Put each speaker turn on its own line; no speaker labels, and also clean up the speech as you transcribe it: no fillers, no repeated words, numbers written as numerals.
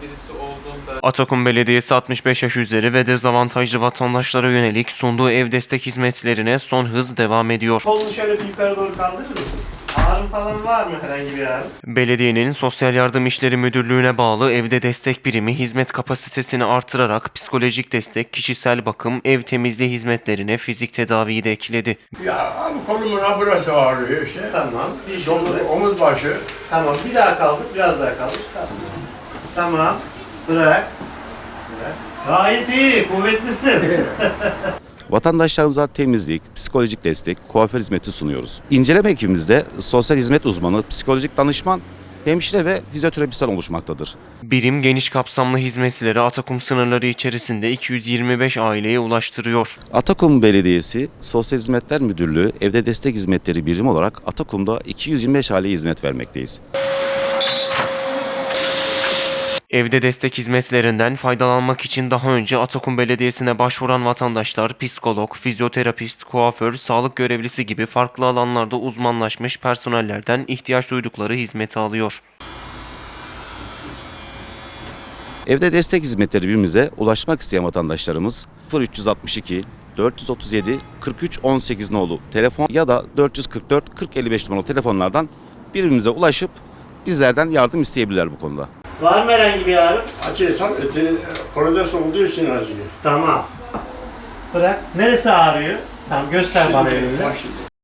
birisi olduğunda...
Atakum Belediyesi 65 yaş üzeri ve dezavantajlı vatandaşlara yönelik sunduğu ev destek hizmetlerine son hız devam ediyor.
Kolunu şöyle bir yukarı doğru kaldırır mısın? Ağrın falan var mı, herhangi bir ağrın?
Belediyenin Sosyal Yardım İşleri Müdürlüğü'ne bağlı evde destek birimi hizmet kapasitesini artırarak psikolojik destek, kişisel bakım, ev temizliği hizmetlerine fizik tedaviyi de ekledi.
Ya abi kolumun burası ağrıyor işte.
Tamam. Bir şurada.
Omuz başı.
Tamam. Bir daha kaldır. Biraz daha kaldır. Tamam. Tamam. Bırak. Bırak. Gayet iyi. Kuvvetlisin.
Vatandaşlarımıza temizlik, psikolojik destek, kuaför hizmeti sunuyoruz. İnceleme ekibimizde sosyal hizmet uzmanı, psikolojik danışman, hemşire ve fizyoterapistler oluşmaktadır.
Birim geniş kapsamlı hizmetleri Atakum sınırları içerisinde 225 aileye ulaştırıyor.
Atakum Belediyesi Sosyal Hizmetler Müdürlüğü Evde Destek Hizmetleri Birimi olarak Atakum'da 225 aileye hizmet vermekteyiz.
Evde destek hizmetlerinden faydalanmak için daha önce Atakum Belediyesi'ne başvuran vatandaşlar psikolog, fizyoterapist, kuaför, sağlık görevlisi gibi farklı alanlarda uzmanlaşmış personellerden ihtiyaç duydukları hizmeti alıyor.
Evde Destek Hizmetleri Birimimize ulaşmak isteyen vatandaşlarımız 0362 437 43 18 nolu telefon ya da 444 40 55 numaralı telefonlardan birbirimize ulaşıp bizlerden yardım isteyebilirler bu konuda.
Var mı herhangi bir ağrın?
Acı tabii korodes olduğu için acıyor.
Tamam. Bırak. Neresi ağrıyor? Tamam, göster bana elini.
Bak şimdi.